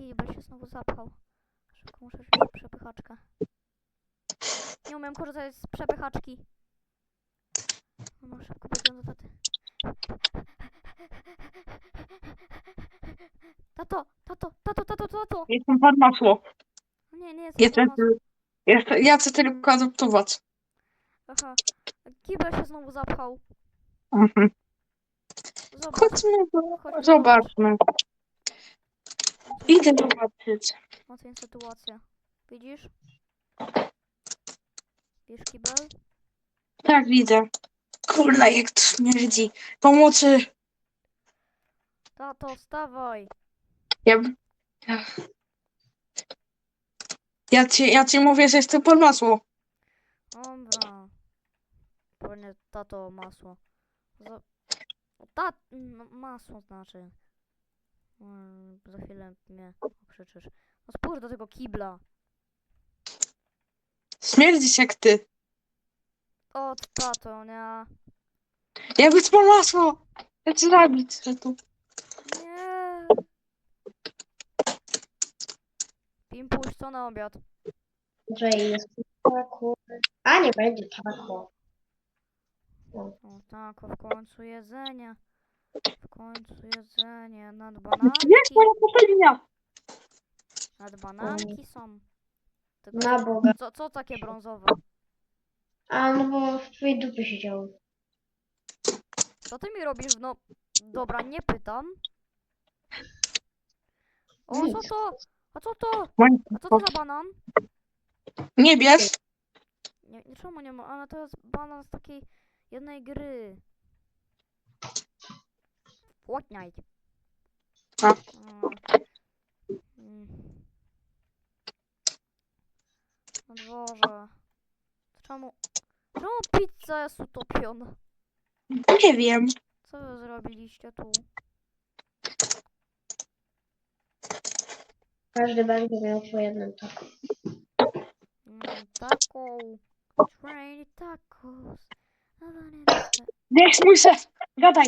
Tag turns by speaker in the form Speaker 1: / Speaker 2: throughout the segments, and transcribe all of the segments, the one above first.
Speaker 1: kibel się znowu zapchał. Szybko muszę wziąć przepychaczkę. Nie umiem korzystać z przepychaczki. No szybko biegłem do taty. Tato!
Speaker 2: Jestem pan masło.
Speaker 1: Nie jestem
Speaker 2: Jestem,
Speaker 1: pan masło.
Speaker 2: ja chcę tylko adoptować.
Speaker 1: Aha, kibel się znowu zapchał.
Speaker 2: Mhm.
Speaker 1: Zobacz,
Speaker 2: Chodźmy,
Speaker 1: chodźmy, zobacz.
Speaker 2: zobaczmy. Idę zobaczyć.
Speaker 1: Oceń sytuację. Widzisz? Widzisz kibel?
Speaker 2: Tak, widzę. Kurna, jak to śmierdzi. Pomocy.
Speaker 1: Tato, wstawaj!
Speaker 2: Ja, ja ci mówię, że jestem pan masło.
Speaker 1: Dobra. Pewnie tato masło. Masło znaczy. Za chwilę mnie okrzyczysz. No spójrz do tego kibla.
Speaker 2: Śmierdzisz jak ty.
Speaker 1: O, tato, nie.
Speaker 2: Ja być pan masło. Ja cię zabić chcę tu.
Speaker 1: Nie. Pimpuś, co na obiad?
Speaker 3: Że jest taco. A nie będzie taco.
Speaker 1: O tak, w końcu jedzenie. W końcu jedzenie. Nad bananki.
Speaker 2: Jest moja popelnia.
Speaker 1: Nad bananki są. Tylko
Speaker 3: Na Boga.
Speaker 1: co takie brązowe?
Speaker 3: A no bo w twojej dupie siedział.
Speaker 1: Co ty mi robisz? No, dobra, nie pytam. O, co
Speaker 3: Nic.
Speaker 1: to? A co to?
Speaker 2: Moja-
Speaker 1: A co to za banan?
Speaker 2: Nie bierz.
Speaker 1: Nie, czemu nie ma? Ale to jest banan z takiej jednej gry. Fortnite.
Speaker 2: A.
Speaker 1: Mm. No Boże. Czemu pizza jest utopiona?
Speaker 2: Nie wiem.
Speaker 1: Co wy zrobiliście tu?
Speaker 3: Każdy będzie miał po jednym taco.
Speaker 1: Taco. Train tacos.
Speaker 2: Gdzie jest mój szef? Gadaj.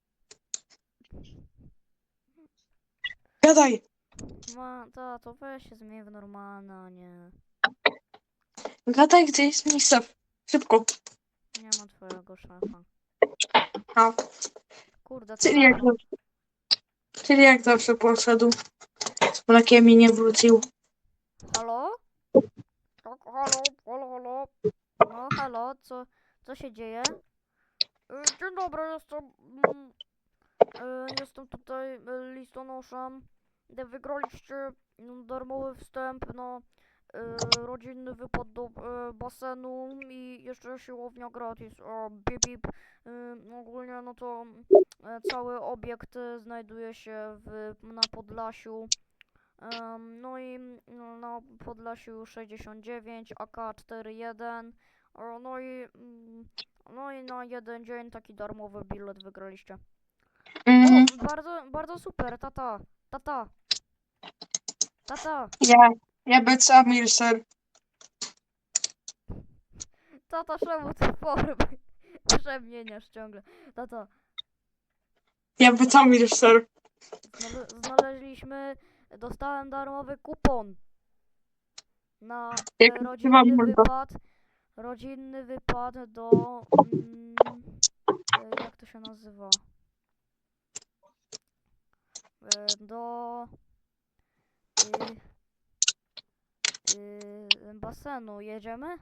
Speaker 2: Gadaj.
Speaker 1: Tato, weź się zmień w normalne, a nie.
Speaker 2: Gadaj, gdzie jest mój szef. Szybko.
Speaker 1: Nie ma twojego szefa.
Speaker 2: A.
Speaker 1: Kurde, co
Speaker 2: Czyli jak,
Speaker 1: robią?
Speaker 2: czyli jak zawsze poszedł. Z mlekiem i nie wrócił.
Speaker 1: Halo? Tak, halo. No, halo, co się dzieje? Dzień dobry, jestem tutaj listonoszem. Wygraliście darmowy wstęp na rodzinny wypad do basenu i jeszcze siłownia gratis. Bip, bip. Ogólnie no to cały obiekt znajduje się na Podlasiu. No i na Podlasiu 69 AK41. No i na jeden dzień taki darmowy bilet wygraliście.
Speaker 2: Mhm.
Speaker 1: O, bardzo super, tata.
Speaker 2: Ja być Amir, sir.
Speaker 1: Tata, czemu ty formy przemieniasz ciągle? Tata,
Speaker 2: Ja być Amir, sir.
Speaker 1: dostałem darmowy kupon na
Speaker 2: Jak wam mordo.
Speaker 1: rodzinny wypad do, jak to się nazywa? Do basenu. Jedziemy?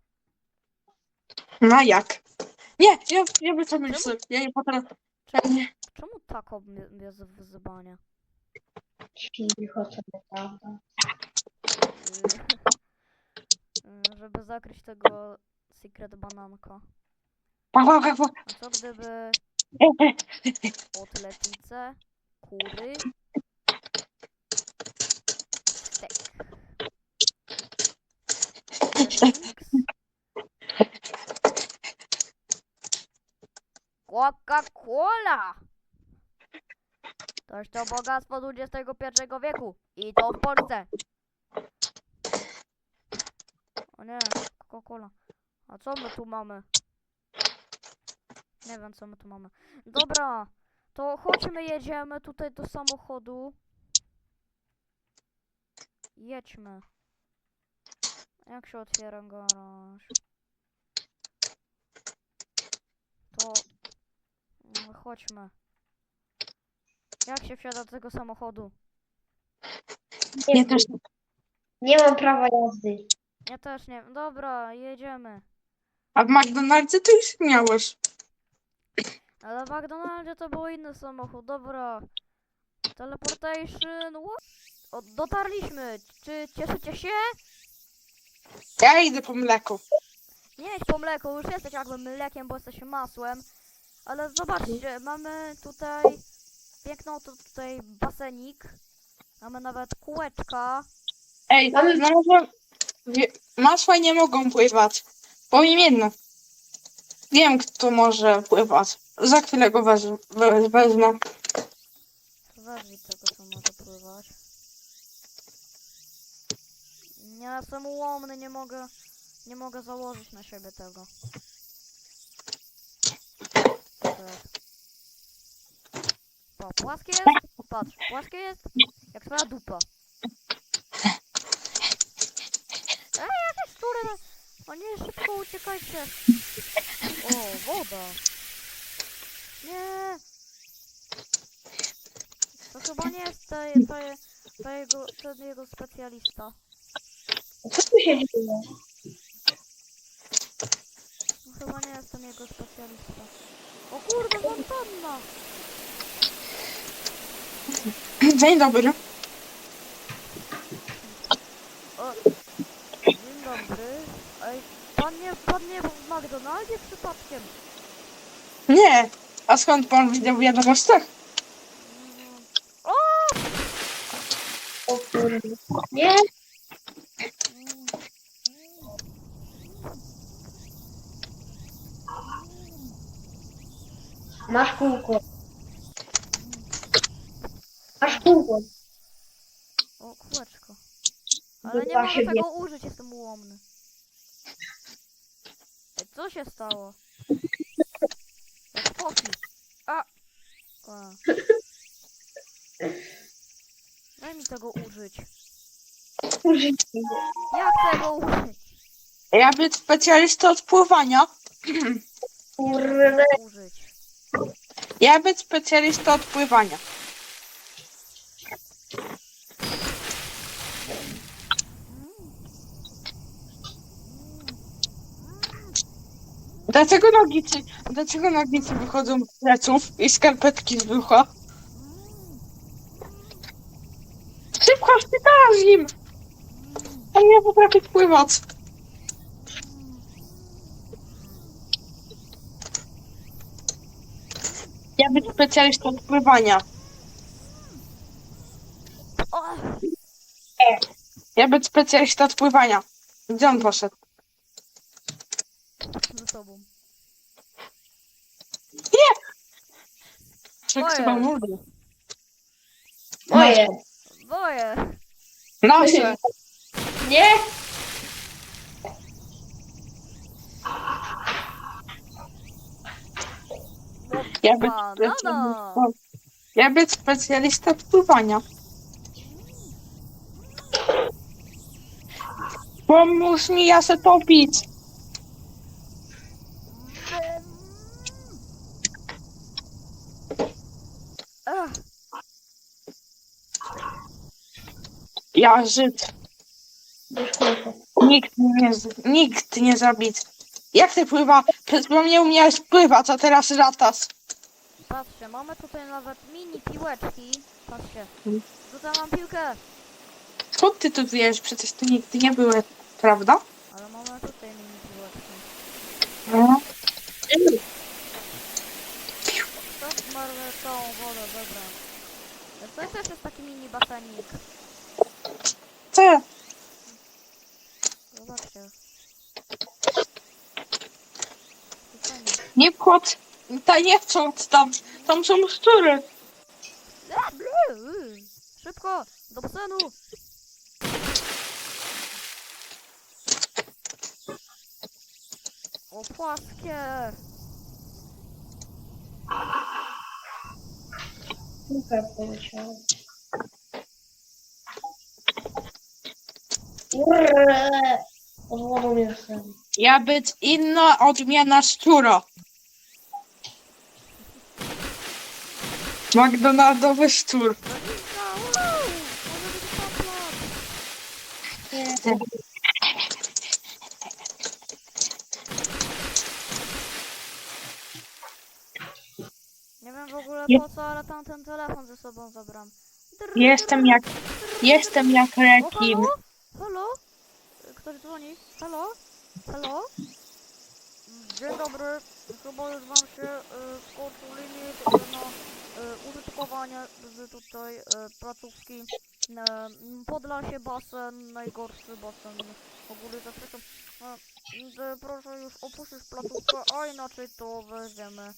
Speaker 2: No jak? Nie, ja być Amir, sir. Ja nie potrafię.
Speaker 1: Czemu tako bez wyzwania?
Speaker 3: Cicho sobie, prawda?
Speaker 1: Żeby zakryć tego secret bananka.
Speaker 2: Pa, pa, pa, pa.
Speaker 1: A co gdyby kotletnice, kury, stek, drinks, Coca-Cola! Toż to bogactwo XXI wieku i to w Polsce. O nie, Coca-Cola. A co my tu mamy? Nie wiem, co my tu mamy. Dobra, to chodźmy, jedziemy tutaj do samochodu. jedźmy. Jak się otwiera garaż? To... chodźmy. Jak się wsiada do tego samochodu?
Speaker 2: Nie też.
Speaker 3: Nie mam prawa jazdy.
Speaker 1: Ja też nie wiem. Dobra, jedziemy.
Speaker 2: A w McDonaldzie to już miałeś.
Speaker 1: Ale w McDonaldzie to był inny samochód. Dobra. Teleportation. O, dotarliśmy. Czy cieszycie się?
Speaker 2: Ja idę po mleko.
Speaker 1: Nie idź po mleku, już jesteś jakby mlekiem, bo jesteś masłem. Ale zobaczcie, mamy tutaj piękną tutaj basenik. Mamy nawet kółeczka.
Speaker 2: Ej,
Speaker 3: Mamy-
Speaker 2: no może... Masła nie mogą pływać. Powiem jedno. Wiem, kto może pływać. Za chwilę go wezmę.
Speaker 1: Weź tego, co może pływać. Ja jestem ułomny, nie mogę założyć na siebie tego. Co to jest? O, płaskie jest? Patrz, płaskie jest? Jak twoja dupa. Jakieś szczury! O nie, szybko uciekajcie! O, woda! Nie! To chyba nie jest ten jego specjalista.
Speaker 3: Co tu się dzieje?
Speaker 1: No, chyba nie jest ten jego specjalista. O kurde, fontanna!
Speaker 2: Dzień dobry.
Speaker 1: O, dzień dobry. Ej, pan nie był w McDonaldzie przypadkiem?
Speaker 2: Nie. A skąd pan widział w wiadomościach?
Speaker 1: Mm, O!
Speaker 3: O kurde. Nie?
Speaker 1: Mm,
Speaker 3: Masz kółko. Masz kółko.
Speaker 1: O, kółeczko. Ale nie
Speaker 3: Dupa
Speaker 1: mogę
Speaker 3: się
Speaker 1: tego użyć, jestem ułomny. Ej, co się stało? Jak foki. A! Daj mi tego użyć.
Speaker 3: Użyj.
Speaker 1: Jak tego użyć?
Speaker 2: Ja być specjalista od pływania.
Speaker 1: Nie wiem,
Speaker 3: Kurde.
Speaker 1: jak tego użyć.
Speaker 2: Ja być specjalista od pływania. Dlaczego nogicy wychodzą z pleców i skarpetki z brzucha? Szybko, szpitalarz im! On nie potrafi pływać. Ja być specjalistą od pływania.
Speaker 1: O!
Speaker 2: Ja być specjalistą od pływania. Gdzie on poszedł?
Speaker 1: Ze sobą.
Speaker 2: Czek
Speaker 1: Moje.
Speaker 2: chyba mówi.
Speaker 3: Moje.
Speaker 1: Boję!
Speaker 2: Nasze.
Speaker 3: Nie?
Speaker 2: Ja być
Speaker 1: Banana!
Speaker 2: specjalistą. Ja być specjalistą od pływania. Pomóż mi, ja se topić.
Speaker 1: Ech,
Speaker 2: Ja Żyd.
Speaker 3: Masz kółko.
Speaker 2: Nikt nie zabić. Jak ty pływa? Przed chwilą nie umiałeś pływać, a teraz latasz.
Speaker 1: patrzcie, mamy tutaj nawet mini piłeczki. Patrzcie.
Speaker 2: Hmm.
Speaker 1: Tutaj mam piłkę.
Speaker 2: Skąd ty tu wiesz? Przecież tu nigdy nie były, prawda?
Speaker 1: Ale mamy tutaj mini piłeczki.
Speaker 2: No.
Speaker 1: To zmarły całą wodę, dobra. To też jest taki mini basenik.
Speaker 2: Co?
Speaker 1: Zobaczcie.
Speaker 2: Nie wchodź. Nie wchodź tam. Tam są szczury.
Speaker 1: Szybko! Do basenu! O, płaskie!
Speaker 3: Kółko poleciało. Urrr. Pod wodą jestem.
Speaker 2: Ja być inna odmiana szczura. McDonaldowy szczur.
Speaker 1: Dolinka, wow! Może być paplot!
Speaker 3: Nie.
Speaker 1: Nie wiem w ogóle
Speaker 2: Je-
Speaker 1: po co, ale tam ten telefon ze sobą zabrałem.
Speaker 2: Jestem jak
Speaker 1: O,
Speaker 2: rekin.
Speaker 1: halo? Halo? Ktoś dzwoni? Halo? Halo? Dzień dobry. Chyba już wam się skończył limit na użytkowanie z tutaj placówki Podlasie basen, najgorszy basen w ogóle ze wszechświata. Proszę już opuścić placówkę, a inaczej to weźmiemy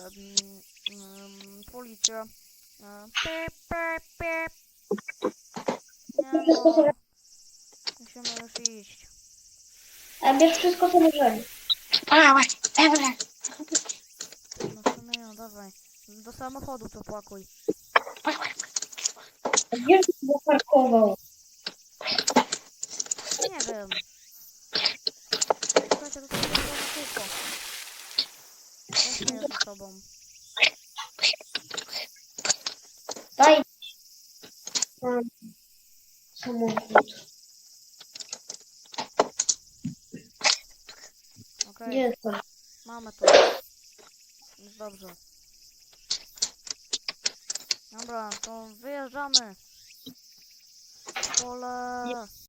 Speaker 1: policję. Pip, pip, pip. Nie
Speaker 3: Wszystko
Speaker 1: no,
Speaker 3: sobie...
Speaker 1: musimy już iść.
Speaker 3: A bierz wszystko, co możemy.
Speaker 1: No w sumie ja, dawaj. Do samochodu to pakuj.
Speaker 3: A gdzie się zaparkował?
Speaker 1: Nie wiem. Słuchajcie, to sobie na kółko. Weźmy je ze sobą.
Speaker 3: Daj. Mam samochód.
Speaker 1: Okej,
Speaker 3: Gdzie jest to?
Speaker 1: mamy to. Jest dobrze. Dobra, to wyjeżdżamy. Pole.